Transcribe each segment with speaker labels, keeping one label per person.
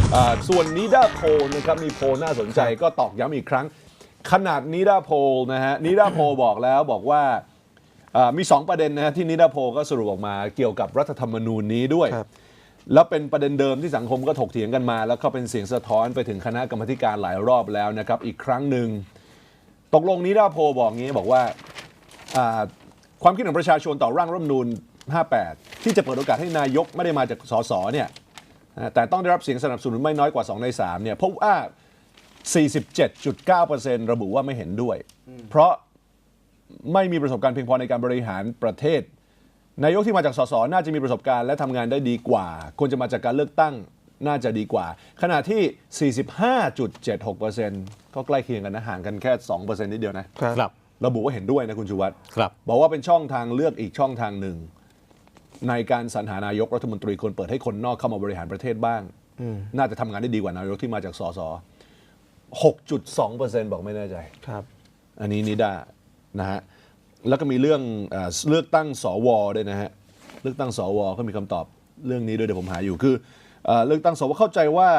Speaker 1: ส่วนนิดาโพลนะครับมีโพลน่าสนใจก็ตอกย้ำอีกครั้งขนาดนิดาโพลนะฮะนิดาโพลบอกแล้วบอกว่ามี2ประเด็นนะฮะที่นิดาโพลก็สรุปออกมาเกี่ยวกับรัฐธรรมนูญนี้ด้วยแล้วเป็นประเด็นเดิมที่สังคมก็ถกเถียงกันมาแล้วก็เป็นเสียงสะท้อนไปถึงคณะกรรมการหลายรอบแล้วนะครับอีกครั้งหนึ่งตกลงนิดาโพลบอกงี้บอกว่าความคิดของประชาชนต่อร่างรัฐธรรมนูญ58ที่จะเปิดโอกาสให้นายกไม่ได้มาจากสสเนี่ยแต่ต้องได้รับเสียงสนับสนุนไม่น้อยกว่า2ใน3เนี่ยพบว่า 47.9% ระบุว่าไม่เห็นด้วยเพราะไม่มีประสบการณ์เพียงพอในการบริหารประเทศนายกที่มาจากสสน่าจะมีประสบการณ์และทำงานได้ดีกว่าควรจะมาจากการเลือกตั้งน่าจะดีกว่าขณะที่ 45.76% ก็ใกล้เคียงกันนะห่างกันแค่ 2% นิดเดียวนะครับระบุว่าเห็นด้วยนะคุณชูวัฒน์บอกว่าเป็นช่องทางเลือกอีกช่องทางหนึ่งในการสรรหานายกรัฐมนตรีควรเปิดให้คนนอกเข้ามาบริหารประเทศบ้างน่าจะทำงานได้ดีกว่านายกที่มาจากสส 6.2% บอกไม่แน่ใจครับอันนี้นิดานะฮะแล้วก็มีเรื่องเลือกตั้งสวด้วยนะฮะเลือกตั้งสวก็มีคำตอบเรื่องนี้ด้วยเดี๋ยวผมหาอยู่คือเลือกตั้งสวเข้าใจว่า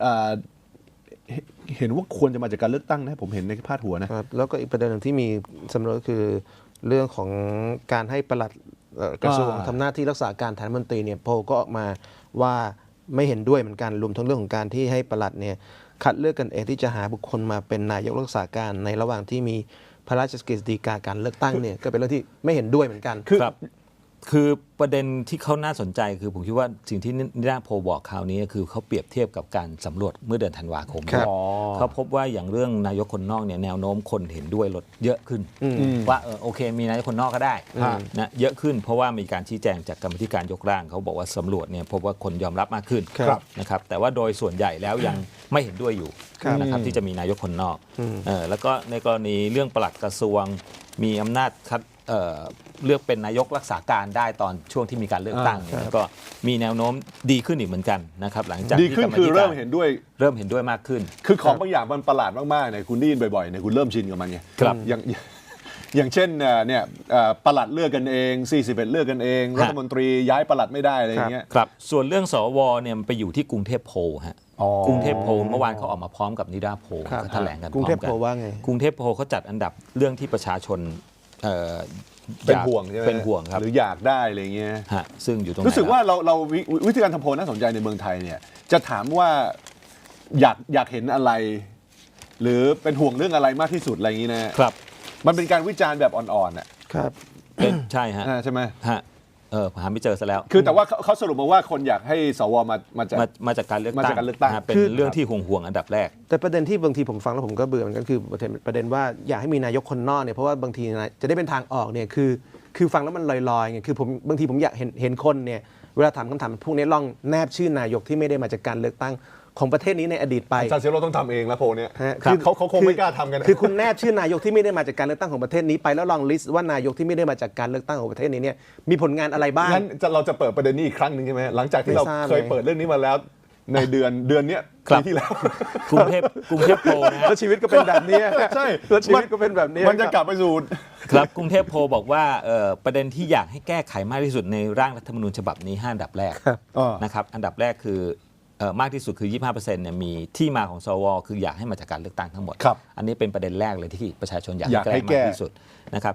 Speaker 1: เห็นว่าควรจะมาจากการเลือกตั้งนะผมเห็นในพาดหัวนะครับ
Speaker 2: แล้วก็อีกประเด็นหนึ่งที่มีสำรวจคือเรื่องของการให้ปลัดกระทรวงทำหน้าที่รักษาการแทนรัฐมนตรีเนี่ยโพลก็ออกมาว่าไม่เห็นด้วยเหมือนกันรวมทั้งเรื่องของการที่ให้ปลัดเนี่ยคัดเลือกกันเองที่จะหาบุคคลมาเป็นนายกรักษาการในระหว่างที่มีพระราชกฤษฎีกาการเลือกตั้งเนี่ยก็เป็นเรื่องที่ไม่เห็นด้วยเหมือนกัน
Speaker 3: คือประเด็นที่เขาน่าสนใจคือผมคิดว่าสิ่งที่นิดาโพลบอกคราวนี้คือเขาเปรียบเทียบกับการสำรวจเมื่อเดือนธันวาคมเขาพบว่าอย่างเรื่องนายกคนนอกเนี่ยแนวโน้มคนเห็นด้วยลดเยอะขึ้นว่าโอเคมีนายกคนนอกก็ได้นะเยอะขึ้นเพราะว่ามีการชี้แจงจากกรรมธิการยกร่างเขาบอกว่าสำรวจเนี่ยพบว่าคนยอมรับมากขึ้นนะครับแต่ว่าโดยส่วนใหญ่แล้วยังไม่เห็นด้วยอยู่นะครับที่จะมีนายกคนนอกแล้วก็ในกรณีเรื่องปลัดกระทรวงมีอำนาจคัดเลือกเป็นนายกรักษาการได้ตอนช่วงที่มีการเลือกตั้งก็มีแนวโน้มดีขึ้นอีกเหมือนกันนะครับหลังจาก
Speaker 1: ดีขึ้นคือเริ่มเห็นด้วย
Speaker 3: มากขึ้น
Speaker 1: คือของบางอย่างมันประหลาดมากๆเนี่ยคุณได้ยินบ่อยๆเนี่ยคุณเริ่มชินกับมันไงอย่างเช่นเนี่ยปลัดเลือกกันเอง41เลือกกันเองรัฐมนตรีย้ายปลัดไม่ได้อะไรอย่างเงี้ย
Speaker 3: ครับส่วนเรื่องสวเนี่ยมันไปอยู่ที่กรุงเทพโพลฮะกรุงเทพโพลเมื่อวานเขาออกมาพร้อมกับนิดาโพลเขาแถลงกัน
Speaker 2: กรุงเทพโพลว่าไง
Speaker 3: กรุงเทพโพลเขาจัดอันดับเรื่องที่ประชาชน
Speaker 1: เป็นห่วงใช่ไหม
Speaker 3: เป็นห่วงครับ
Speaker 1: หรืออยากได้อะไรเงี้ย
Speaker 3: ซึ่งอยู่ตรง
Speaker 1: รู้สึกว่าเราวิธีการทำโพลน่าสนใจในเมืองไทยเนี่ยจะถามว่าอยากเห็นอะไรหรือเป็นห่วงเรื่องอะไรมากที่สุดอะไรอย่างนี้นะครับมันเป็นการวิจารณ์แบบอ่อนๆอ่ะ
Speaker 2: ครับ
Speaker 3: ใช่ฮะ
Speaker 1: ใช่ไหม
Speaker 3: หาไม่เจอซะแล้ว
Speaker 1: คือแต่ว่าเขาสรุปมาว่าคนอยากให้สวมา
Speaker 3: จากการเลือกตั้งเป็นเรื่องที่ห่วงอันดับแรก
Speaker 2: แต่ประเด็นที่บางทีผมฟังแล้วผมก็เบื่อเหมือนกันคือประเด็นว่าอยากให้มีนายกคนนอกเนี่ยเพราะว่าบางทีจะได้เป็นทางออกเนี่ยคือฟังแล้วมันลอยๆไงคือผมบางทีผมอยากเห็นคนเนี่ยเวลาถามคำถามพวกนี้ลองแนบชื่อนายกที่ไม่ได้มาจากการเลือกตั้งของประเทศนี้ในอดีตไป
Speaker 1: อาจารย์เซโร่ต้องทำเองแล้วโพลเนี่ยคือเขาคงไม่กล้าทำกัน
Speaker 2: คือคุณแนบชื่อนายกที่ไม่ได้มาจากการเลือกตั้งของประเทศนี้ไปแล้วลองลิสต์ว่านายกที่ไม่ได้มาจากการเลือกตั้งของประเทศนี้เนี่ยมีผลงานอะไรบ้าง
Speaker 1: งั้นเราจะเปิดประเด็นนี้อีกครั้งนึงใช่ไหมหลังจากที่เราเคยเปิดเรื่องนี้มาแล้วในเดือนนี้ปีที่แล้ว
Speaker 3: กรุงเทพโพลนะ
Speaker 2: แล้วชีวิตก็เป็นแบบนี้
Speaker 1: ใช่
Speaker 2: แล้วชีวิตก็เป็นแบบนี้
Speaker 1: มันจะกลับไปสู่
Speaker 3: ครับกรุงเทพโพลบอกว่าประเด็นที่อยากให้แก้ไขมากที่สุดในร่างรัฐธรรมนูญฉบับนี้5อันดับแรกนะครับอันดับแรกคือมากที่สุดคือ 25% เนี่ยมีที่มาของสวคืออยากให้มาจากการเลือกตั้งทั้งหมดอันนี้เป็นประเด็นแรกเลยที่ประชาชนอยากให้แก้มากที่สุดนะครับ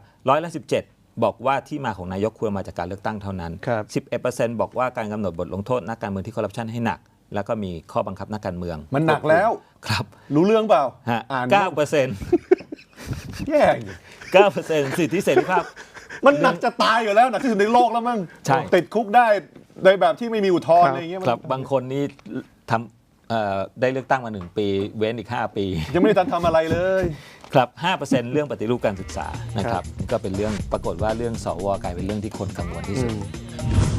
Speaker 3: 17%บอกว่าที่มาของนายกควรมาจากการเลือกตั้งเท่านั้น 11% บอกว่าการกำหนดบทลงโทษนักการเมืองที่คอร์รัปชันให้หนักแล้วก็มีข้อบังคับนักการเมือง
Speaker 1: มันหนักแล้ว
Speaker 3: ครับ
Speaker 1: รู้เรื่องเปล่า
Speaker 3: 9%
Speaker 1: แย่
Speaker 3: 9% สิทธิเสรีภาพ
Speaker 1: มันหนักจะตายอยู่แล้วหนักที่สุดในโลกแล้วมั้งติดคุกได้ในแบบที่ไม่มีอุทธรณ์อะไรอย่างเงี้ย
Speaker 3: ครับบางคนนี่ทำได้เลือกตั้งมา1 ปีเว้นอีก5 ปี
Speaker 1: ยังไม่ได้ทำอะไรเลย
Speaker 3: ครับ 5% เรื่องปฏิรูปการศึกษานะครับก็เป็นเรื่องปรากฏว่าเรื่องสวกลายเป็นเรื่องที่คนกังวลที่สุด